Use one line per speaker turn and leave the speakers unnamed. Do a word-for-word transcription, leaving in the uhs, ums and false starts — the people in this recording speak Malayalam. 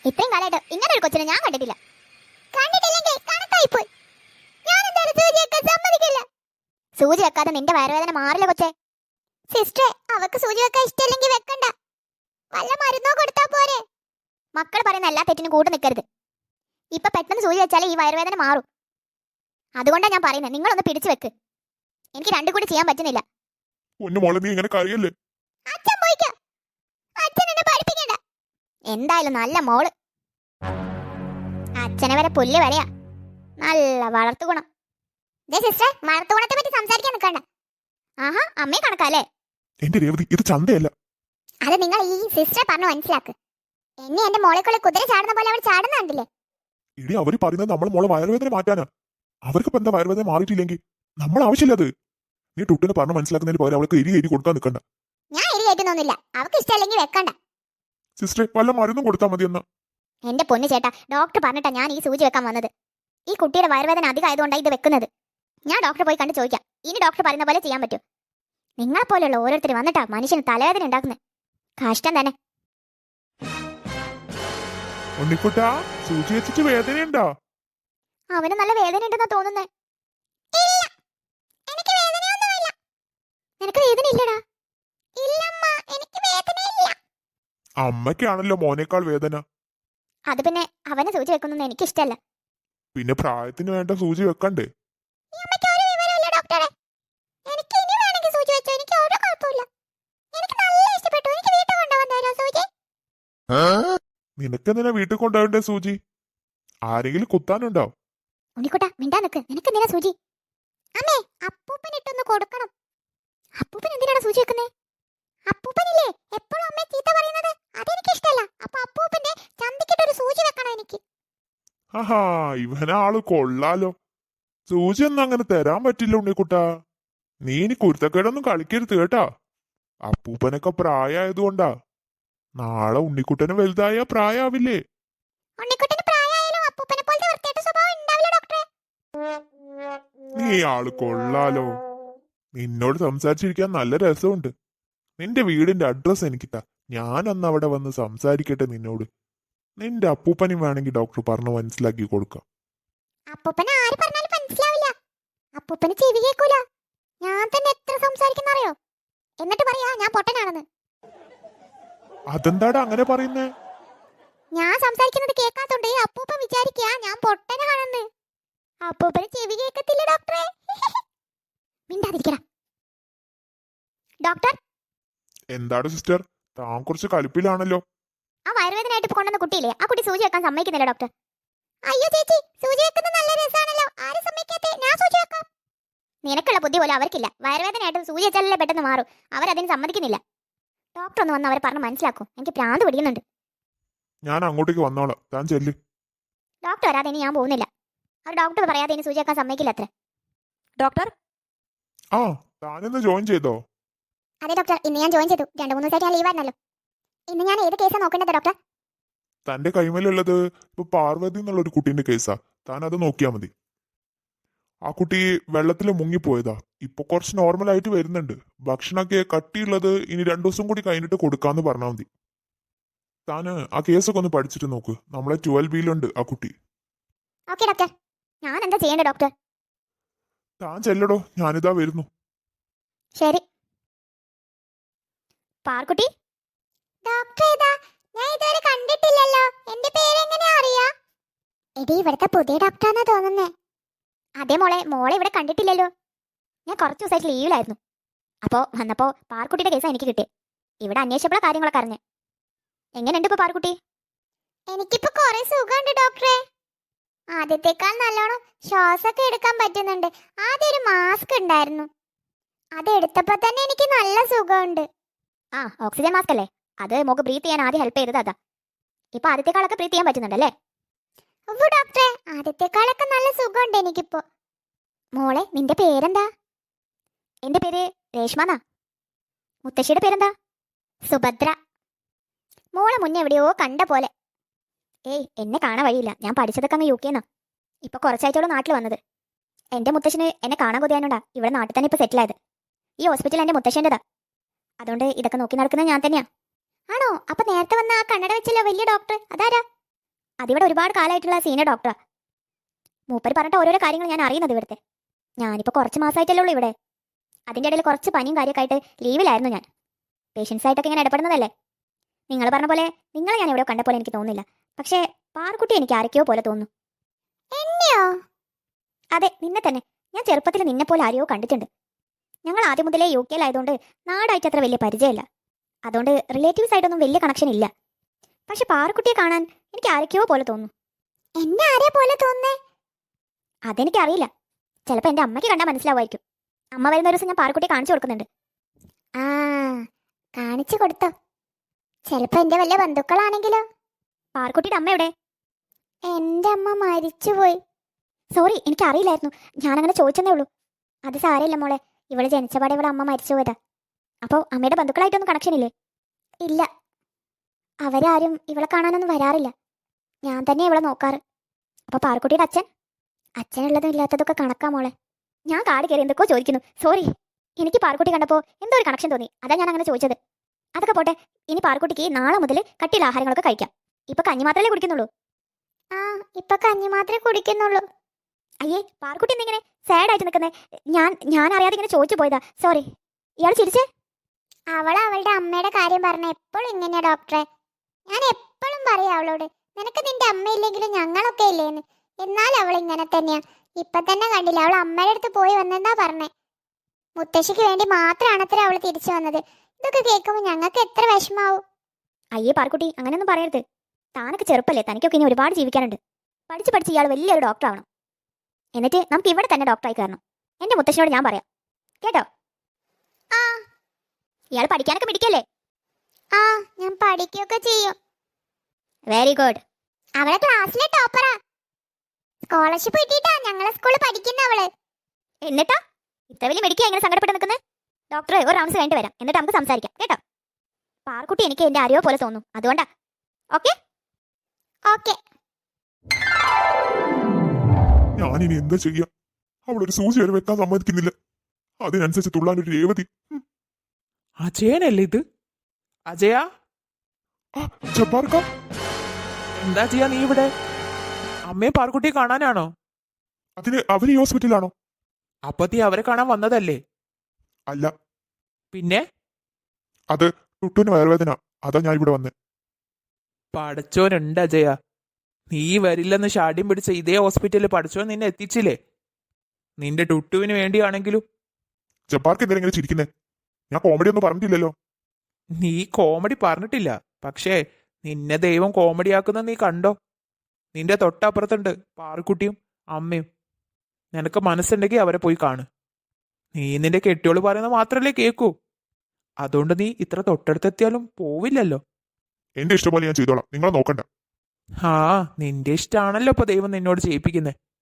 ഇത്രയും കാലമായിട്ട് ഇങ്ങനെ ഒരു കൊച്ചിനെ ഞാൻ കണ്ടിട്ടില്ല. കണ്ടിട്ടില്ലെങ്കിൽ കണക്കായിപ്പോയി. ഞാൻ എന്തായാലും സൂചി വെക്കാൻ സമ്മതിക്കില്ല. സൂചി വെക്കാതെ നിന്റെ വയറുവേദന മാറില്ല കൊച്ചേ. സിസ്റ്ററെ, അവക്ക് സൂചി വെക്കാൻ ഇഷ്ടമില്ലെങ്കിൽ വെക്കണ്ട. വല്ല മരുന്നോ കൊടുത്താ പോരെ. മക്കൾ പറയുന്ന എല്ലാ തെറ്റിനും കൂട്ടു നിൽക്കരുത്. ഇപ്പൊ പെട്ടെന്ന് സൂചി വെച്ചാലേ ഈ വയറുവേദന മാറും. അതുകൊണ്ടാണ് ഞാൻ പറയുന്നത്, നിങ്ങളൊന്ന് പിടിച്ചു വെക്ക്. എനിക്ക് രണ്ടും കൂടി ചെയ്യാൻ പറ്റുന്നില്ല. അച്ഛൻ പോയിക്കോ. അച്ഛൻ എന്നെ പഠിപ്പിക്കണ്ട. എന്തായാലും നല്ല മോള്. അച്ഛനെ വരെ പുല്ല് വരെയാ. നല്ല വളർത്തു ഗുണം. സിസ്റ്റർ, വളർത്തു ഗുണത്തെ പറ്റി സംസാരിക്കാൻ നിൽക്കണ്ട. ആഹാ, അമ്മയെ കണക്കാല്ലേ?
എന്റെ രേവതി, ഇത് ചന്തയല്ല.
അത് നിങ്ങൾ ഈ സിസ്റ്റർ പറഞ്ഞു മനസ്സിലാക്ക്. എന്നെ എന്റെ മോളെക്കുള്ള കുതിര ചാടുന്ന പോലെ അവൾ ചാടുന്ന കണ്ടില്ലേ?
ഇടി അവര് പറയുന്നത് നമ്മൾ മോളെ വയറുവേദന മാറ്റാനാ. അവർക്ക് ഇപ്പൊ എന്താ വയറുവേദന മാറിയിട്ടില്ലെങ്കിൽ നമ്മൾ ആവശ്യമില്ല അത്. നീ ടുട്ടിനെ പറഞ്ഞു മനസ്സിലാക്കുന്നതിന് പകരം അവൾക്ക് എരി എരി കൊടുക്കാൻ നിൽക്കണ്ട.
ഞാൻ എരി കയറ്റുന്നൊന്നുമില്ല. അവൾക്ക് ഇഷ്ടമല്ലെങ്കിൽ വെക്കണ്ട.
സിസ്റ്ററെ, വല്ല മരുന്നും കൊടുത്താൽ മതി എന്നാ.
എന്റെ പൊന്നു ചേട്ടാ, ഡോക്ടർ പറഞ്ഞിട്ടാ ഞാൻ ഈ സൂചി വെക്കാൻ വന്നത്. ഈ കുട്ടിയുടെ വയറുവേദന അധികമായതുകൊണ്ടാണ് ഇത് വെക്കുന്നത്. ഞാൻ ഡോക്ടറെ പോയി കണ്ട് ചോദിക്കാം. ഇനി ഡോക്ടർ പറയുന്ന പോലെ ചെയ്യാൻ പറ്റും. നിങ്ങളെ പോലെയുള്ള ഓരോരുത്തർ വന്നിട്ടാ മനുഷ്യന് തലവേദന ഉണ്ടാക്കുന്നത്. കഷ്ടം തന്നെ.
ഉണ്ണിക്കുട്ടാ, സൂചി വെച്ചിട്ട് വേദനയുണ്ടോ?
അവന് നല്ല വേദന ഉണ്ടെന്നാ തോന്നുന്നേ. നിനക്ക് വേദന ഇല്ലടാ? ഇല്ലമ്മ, എനിക്ക് വേദനയില്ല.
അമ്മയ്ക്കാണല്ലോ മോനേക്കാൾ വേദന.
അത് പിന്നെ അവനെ സൂചി വെക്കുന്നൊന്നും എനിക്ക് ഇഷ്ടമല്ല.
പിന്നെ പ്രായത്തിന് വേണ്ട സൂചി വെക്കണ്ടേ? നിനക്കെന്തിനാ വീട്ടിൽ കൊണ്ടുപോകണ്ടേ സൂചി? ആരെങ്കിലും കുത്താനുണ്ടോ?
ഉണ്ണിക്കുട്ടാ, മിണ്ടാ നിക്ക്. നിനക്ക് എന്തിനാ സൂചി? അമ്മേ, അപ്പൂപ്പൻ ഇട്ടൊന്ന് കൊടുക്കണം. അപ്പൂപ്പൻ എന്തിനാണ് സൂചി വെക്കുന്നേ? അപ്പൂപ്പനില്ലേ എപ്പോഴും അമ്മയെ ചീത്ത പറയുന്നത്? അതെനിക്ക് ഇഷ്ടമല്ല. അപ്പൊ അപ്പൂപ്പന്റെ ചന്തിക്കിട്ടൊരു സൂചി വെക്കണം എനിക്ക്.
ആഹാ, ഇവനാള് കൊള്ളാലോ. സൂചി ഒന്നും അങ്ങനെ തരാൻ പറ്റില്ല ഉണ്ണിക്കുട്ടാ. നീ ഇനി കുരുത്തക്കേടൊന്നും കളിക്കരുത് കേട്ടാ. അപ്പൂപ്പനൊക്കെ പ്രായമായതുകൊണ്ടാ. നാളെ ഉണ്ണിക്കുട്ടന് വലുതായ പ്രായാവില്ലേ?
ഉണ്ണിക്കുട്ടന് പ്രായമായാലും അപ്പൂപ്പനെ പോലത്തെ വൃത്തികെട്ട സ്വഭാവം ഉണ്ടാവില്ല ഡോക്ടറെ.
നീ ആള് കൊള്ളാലോ. നിന്നോട് സംസാരിച്ചിരിക്കാൻ നല്ല രസമുണ്ട്. നിന്റെ വീടിന്റെ അഡ്രസ് എനിക്കിട്ടാ. ഞാൻ അന്ന് അവിടെ വന്ന് സംസാരിക്കട്ടെ നിന്നോട്. നിന്റെ അപ്പൂപ്പനും വേണമെങ്കിൽ ഡോക്ടർ പറഞ്ഞു മനസ്സിലാക്കി കൊടുക്കാം.
അപ്പൂപ്പനെ ആര് പറഞ്ഞാലും മനസ്സിലാവില്ല. അപ്പൂപ്പന് ചെവി കേൾക്കൂല. ഞാൻ തന്നെ എത്ര സംസാരിക്കുന്നറിയോ? എന്നിട്ട് പറയാ ഞാൻ പൊട്ടനാണെന്ന്.
അതെന്താടാ അങ്ങനെ പറയുന്നേ?
ഞാൻ സംസാരിക്കുന്നത് കേൾക്കാത്തോണ്ട് അപ്പൂപ്പൻ വിചാരിക്കാ ഞാൻ പൊട്ടനാണെന്ന്. അപ്പൂപ്പന് ചെവി കേൾക്കത്തില്ല ഡോക്ടറെ. മിണ്ടാതിരിക്കടാ. ഡോക്ടർ,
എന്താണ് സിസ്റ്റർ, താൻ കുറച്ച് കലിപ്പിലാണല്ലോ.
ആ വയറുവേദനയായിട്ട് ഇപ്പൊ കൊണ്ടുവന്ന കുട്ടിയില്ലേ, ആ കുട്ടി സൂചി വെക്കാൻ സമ്മതിക്കുന്നില്ല ഡോക്ടർ. അയ്യോ ചേച്ചി, സൂചി വെക്കുന്നത് നല്ല രസമാണല്ലോ. ആരും സമ്മതിക്കാത്തെ? ഞാൻ സൂചി വെക്കാം. നിനക്കുള്ള ബുദ്ധി പോലും അവർക്കില്ല. വയറുവേദനയായിട്ട് സൂചി വെച്ചാലല്ലേ പെട്ടെന്ന് മാറും. അവരതിന് സമ്മതിക്കുന്നില്ല. ഡോക്ടർ ഒന്ന് വന്ന് അവരെ പറഞ്ഞ് മനസ്സിലാക്കും. എനിക്ക് പ്രാന്ത് പിടിക്കുന്നുണ്ട്.
ഞാൻ അങ്ങോട്ടേക്ക് വന്നോളാം, താൻ ചെല്ല്.
ഡോക്ടർ വരാതെ ഇനി ഞാൻ പോകുന്നില്ല. അവർ ഡോക്ടർ പറയാതെ ഇനി സൂചി വെക്കാൻ സമ്മതിക്കില്ല അത്ര. ഡോക്ടർ,
ആ താനിന്ന് ജോയിൻ ചെയ്തോ?
അതെ ഡോക്ടർ, ഇന്ന് ഞാൻ ജോയിൻ ചെയ്തു. രണ്ടു മൂന്ന് ദിവസമായിട്ട് ഞാൻ ലീവായിരുന്നല്ലോ. ഇന്ന് ഞാൻ ഏത് കേസാണ് നോക്കേണ്ടത് ഡോക്ടർ?
തന്റെ കൈമേലുള്ളത് ഇപ്പൊ പാർവതി എന്നുള്ള ഒരു കുട്ടീന്റെ കേസാ. താൻ അത് നോക്കിയാ മതി. ആ കുട്ടി വെള്ളത്തിൽ മുങ്ങിപ്പോയതാ. ഇപ്പൊ കുറച്ച് നോർമൽ ആയിട്ട് വരുന്നുണ്ട്. ഭക്ഷണമൊക്കെ കട്ടിയുള്ളത് ഇനി രണ്ടു ദിവസം കൂടി കഴിഞ്ഞിട്ട് കൊടുക്കാന്ന് പറഞ്ഞാൽ മതി. താന് ആ കേസൊക്കെ ഒന്ന് പഠിച്ചിട്ട് നോക്ക്. നമ്മളെ ട്വൽവ് ബിയിലുണ്ട് ആ കുട്ടി.
Okay doctor. ഞാൻ എന്താ ചെയ്യേണ്ടത് ഡോക്ടർ?
താൻ ചെല്ലടോ, ഞാനിതാ വരുന്നു.
ശരി. പാർക്കുട്ടി, ഡോക്ടർ ഏതാ? ഞാൻ ഇതുവരെ കണ്ടിട്ടില്ലല്ലോ. എന്റെ പേര് എങ്ങനെയാ അറിയാ? എടി, ഇവിടുത്തെ പുതിയ ഡോക്ടറാന്നാ തോന്നുന്നേ. അതേ മോളെ, മോളെ ഇവിടെ കണ്ടിട്ടില്ലല്ലോ. ഞാൻ കുറച്ച് ദിവസമായിട്ട് ലീവിലായിരുന്നു. അപ്പോ വന്നപ്പോ പാർക്കുട്ടിയുടെ കേസാ എനിക്ക് കിട്ടിയത്. ഇവിടെ അന്വേഷിച്ചപ്പോഴാ കാര്യങ്ങളൊക്കെ അറിഞ്ഞേ. എങ്ങനെയുണ്ട് ഇപ്പൊ പാർക്കുട്ടി? എനിക്കിപ്പോ കുറെ സുഖമുണ്ട് ഡോക്ടറെ. ആദ്യത്തെക്കാൾ നല്ലോണം ശ്വാസമൊക്കെ എടുക്കാൻ പറ്റുന്നുണ്ട്. ആദ്യം ഒരു മാസ്ക് ഉണ്ടായിരുന്നു, അതെടുത്തപ്പോ തന്നെ എനിക്ക് നല്ല സുഖമുണ്ട്. ആ, ഓക്സിജൻ മാസ്ക് അല്ലേ? അത് മോക്ക് ബ്രീത്ത് ചെയ്യാൻ ആദ്യം ഹെൽപ്പ് ചെയ്തത് അതാ. ഇപ്പൊ ആദ്യത്തെക്കാളൊക്കെ ബ്രീത്ത് ചെയ്യാൻ പറ്റുന്നുണ്ടല്ലേ? ഡോക്ടറെ, ആദ്യത്തെക്കാളൊക്കെ നല്ല സുഖമുണ്ട് എനിക്കിപ്പോ. മോളെ, നിന്റെ പേരെന്താ? എന്റെ പേര് രേഷ്മന്നാ. മുത്തശ്ശിയുടെ പേരെന്താ? സുഭദ്ര. മോളെ മുന്നേ എവിടെയോ കണ്ട പോലെ. ഏയ്, എന്നെ കാണാൻ വഴിയില്ല. ഞാൻ പഠിച്ചതൊക്കെ അങ്ങ് യു കെന്നാ. ഇപ്പൊ കുറച്ചാഴ്ചയോളം നാട്ടിൽ വന്നത്. എന്റെ മുത്തശ്ശന് എന്നെ കാണാൻ കൊതിയാനുണ്ടാ ഇവിടെ നാട്ടിൽ തന്നെ ഇപ്പൊ സെറ്റിൽ ആയത്. ഈ ഹോസ്പിറ്റൽ എന്റെ മുത്തശ്ശൻ്റെതാ. അതുകൊണ്ട് ഇതൊക്കെ നോക്കി നടക്കുന്നത് ഞാൻ തന്നെയാ. ആണോ? അപ്പൊ നേരത്തെ വന്ന ആ കണ്ണട വെച്ചല്ലോ വലിയ ഡോക്ടർ, അതാരാ? അതിവിടെ ഒരുപാട് കാലമായിട്ടുള്ള സീനിയർ ഡോക്ടറാ. മൂപ്പര് പറഞ്ഞിട്ട് ഓരോരോ കാര്യങ്ങൾ ഞാൻ അറിയുന്നത് ഇവിടുത്തെ. ഞാനിപ്പോൾ കുറച്ച് മാസമായിട്ടല്ലേ ഉള്ളൂ ഇവിടെ. അതിൻ്റെ ഇടയിൽ കുറച്ച് പനിയും കാര്യമൊക്കെ ആയിട്ട് ലീവിലായിരുന്നു ഞാൻ. പേഷ്യൻസ് ആയിട്ടൊക്കെ ഇങ്ങനെ ഇടപെടുന്നതല്ലേ. നിങ്ങൾ പറഞ്ഞ പോലെ നിങ്ങളെ ഞാൻ എവിടെയോ കണ്ട പോലെ എനിക്ക് തോന്നുന്നില്ല. പക്ഷേ പാറുക്കുട്ടി എനിക്ക് ആരൊക്കെയോ പോലെ തോന്നുന്നു. എന്നെയോ? അതെ, നിന്നെ തന്നെ. ഞാൻ ചെറുപ്പത്തിൽ നിന്നെ പോലെ ആരെയോ കണ്ടിട്ടുണ്ട്. ഞങ്ങൾ ആദ്യം മുതലേ യു കെയിലായതുകൊണ്ട് നാടായിട്ട് അത്ര വലിയ പരിചയമില്ല. അതുകൊണ്ട് റിലേറ്റീവ്സ് ആയിട്ടൊന്നും വലിയ കണക്ഷൻ ഇല്ല. പക്ഷെ പാറുക്കുട്ടിയെ കാണാൻ എനിക്ക് ആരൊക്കെയോ പോലെ തോന്നുന്നു. എന്നെ ആരെ പോലെ തോന്നുന്നേ? അതെനിക്കറിയില്ല. ചിലപ്പോൾ എൻ്റെ അമ്മയ്ക്ക് കണ്ടാൽ മനസ്സിലാവുമായിരിക്കും. അമ്മ വരുന്ന ഒരു ദിവസം ഞാൻ പാറുക്കുട്ടിയെ കാണിച്ചു കൊടുക്കുന്നുണ്ട്. ആ, കാണിച്ചു കൊടുത്തോ? ചിലപ്പോൾ എൻ്റെ വല്ല ബന്ധുക്കളാണെങ്കിലോ? പാറുക്കുട്ടിയുടെ അമ്മ എവിടെ? എൻ്റെ അമ്മ മരിച്ചുപോയി. സോറി, എനിക്കറിയില്ലായിരുന്നു. ഞാനങ്ങനെ ചോദിച്ചെന്നേ ഉള്ളൂ. അത് സാരമില്ല മോളെ. ഇവള് ജനിച്ചപാടെ ഇവളെ അമ്മ മരിച്ചു പോയതാ. അപ്പോൾ അമ്മയുടെ ബന്ധുക്കളായിട്ടൊന്നും കണക്ഷൻ ഇല്ലേ? ഇല്ല, അവരാരും ഇവളെ കാണാനൊന്നും വരാറില്ല. ഞാൻ തന്നെ ഇവളെ നോക്കാറ്. അപ്പോൾ പാറുക്കുട്ടിയുടെ അച്ഛൻ? അച്ഛനുള്ളതും ഇല്ലാത്തതൊക്കെ കണക്കാ മോളെ. ഞാൻ കാട് കയറി എന്തൊക്കെയോ ചോദിക്കുന്നു. സോറി, എനിക്ക് പാറുക്കുട്ടി കണ്ടപ്പോൾ എന്തോ ഒരു കണക്ഷൻ തോന്നി. അതാ ഞാൻ അങ്ങനെ ചോദിച്ചത്. അതൊക്കെ പോട്ടെ. ഇനി പാറുക്കുട്ടിക്ക് നാളെ മുതൽ കട്ടിയുള്ള ആഹാരങ്ങളൊക്കെ കഴിക്കാം. ഇപ്പൊ കഞ്ഞി മാത്രമല്ലേ കുടിക്കുന്നുള്ളൂ? ആ, ഇപ്പൊ കഞ്ഞി മാത്രമേ കുടിക്കുന്നുള്ളൂ. അയ്യേ, പാറുക്കുട്ടി എന്തിങ്ങനെ സാഡ് ആയിട്ട് നിൽക്കുന്നേ? ഞാൻ ഞാൻ അറിയാതെ ഇങ്ങനെ ചോദിച്ചു പോയതാ. സോറി. ഇയാൾ ചിരിച്ചേ? അവൾ അവളുടെ അമ്മയുടെ കാര്യം പറഞ്ഞ എപ്പോഴും ഇങ്ങനെയാ ഡോക്ടറെ. ഞാൻ എപ്പോഴും പറയാം അവളോട്, നിനക്ക് നിന്റെ അമ്മയില്ലെങ്കിലും ഞങ്ങളൊക്കെ ഇല്ലേന്ന്. എന്നാൽ അവൾ ഇങ്ങനെ തന്നെയാ. ഇപ്പൊ തന്നെ കണ്ടില്ല, അവൾ അമ്മയുടെ അടുത്ത് പോയി വന്നെന്നാ പറഞ്ഞേ. മുത്തശ്ശിക്ക് വേണ്ടി മാത്രമാണത്ര അവൾ തിരിച്ചു വന്നത്. ഇതൊക്കെ കേൾക്കുമ്പോൾ ഞങ്ങൾക്ക് എത്ര വിഷമാവും. അയ്യേ പാറുക്കുട്ടി, അങ്ങനെയൊന്നും പറയരുത്. താനൊക്കെ ചെറുപ്പല്ലേ, തനിക്കൊക്കെ ഇനി ഒരുപാട് ജീവിക്കാനുണ്ട്. പഠിച്ച് പഠിച്ച് ഇയാൾ വലിയൊരു ഡോക്ടർ ആവണം. എന്നിട്ട് നമുക്ക് ഇവിടെ തന്നെ ഡോക്ടറായി കയറണം. എൻ്റെ മുത്തശ്ശനോട് ഞാൻ പറയാം, കേട്ടോ? ആ, ഇയാൾ പഠിക്കാനൊക്കെ പിടിക്കല്ലേ? ആ, ഞാൻ പഠിക്കുകയൊക്കെ ചെയ്യും. Very good. അവളെ ക്ലാസ്സിലെ ടോപ്പറാ. സ്കോളർഷിപ്പ് കിട്ടിയിട്ടാ ഞങ്ങളെ സ്കൂളിൽ പഠിക്കുന്ന അവള്. എന്നിട്ടാ ഇത്ര വലിയ മെഡിക്കൽ എങ്ങനെ സങ്കടപ്പെട്ട് നിൽക്കുന്നത്? ഡോക്ടറെ ഒരു റൗണ്ട്സ് കഴിഞ്ഞിട്ട് വരാം, എന്നിട്ട് നമുക്ക് സംസാരിക്കാം, കേട്ടോ? പാറുക്കുട്ടി എനിക്ക് എൻ്റെ അറിയോ പോലെ തോന്നുന്നു, അതുകൊണ്ടാ. Okay okay.
ഞാനിനി എന്താ ചെയ്യാ? അവളൊരു സൂചി വരെ വെക്കാൻ സമ്മതിക്കുന്നില്ല. അതിനനുസരിച്ച് തുള്ളാൻ ഒരു രേവതി.
അജയനല്ലേ ഇത്? അജയ,
ആ, ജബ്ബാർക്ക,
എന്താ ചെയ്യാ നീ ഇവിടെ? അമ്മയെ പാർക്കുട്ടിയെ കാണാനാണോ?
അതിന് അവര് ഈ ഹോസ്പിറ്റലാണോ?
അപ്പൊ നീ അവരെ കാണാൻ വന്നതല്ലേ?
അല്ല,
പിന്നെ
അത് ടുട്ടുവിന് വയറുവേദന. അതാ ഞാൻ ഇവിടെ വന്ന്.
പഠിച്ചോനുണ്ട് അജയ. നീ വരില്ലെന്ന് ഷാഠ്യം പിടിച്ച ഇതേ ഹോസ്പിറ്റലിൽ പഠിച്ചോൻ നിന്നെ എത്തിച്ചില്ലേ? നിന്റെ ടുട്ടുവിന് വേണ്ടിയാണെങ്കിലും.
ജബ്ബാർക്ക് എന്തിനാ ഇങ്ങനെ ചിരിക്കുന്നേ? ഞാൻ കോമഡി ഒന്നും പറഞ്ഞിട്ടില്ലല്ലോ.
നീ കോമഡി പറഞ്ഞിട്ടില്ല, പക്ഷേ നിന്നെ ദൈവം കോമഡിയാക്കുന്ന നീ കണ്ടോ? നിന്റെ തൊട്ടപ്പുറത്തുണ്ട് പാറുക്കുട്ടിയും അമ്മയും. നിനക്ക് മനസ്സുണ്ടെങ്കിൽ അവരെ പോയി കാണ്. നീ നിന്റെ കെട്ടിയോള് പറയുന്നത് മാത്രല്ലേ കേൾക്കൂ. അതുകൊണ്ട് നീ ഇത്ര തൊട്ടടുത്തെത്തിയാലും പോവില്ലല്ലോ.
എന്റെ ഇഷ്ടം പോലെ ഞാൻ ചെയ്തോളാം, നിങ്ങളെ നോക്കണ്ട.
ആ, നിന്റെ ഇഷ്ടമാണല്ലോ ഇപ്പൊ ദൈവം നിന്നോട് ചെയ്യിപ്പിക്കുന്നേ.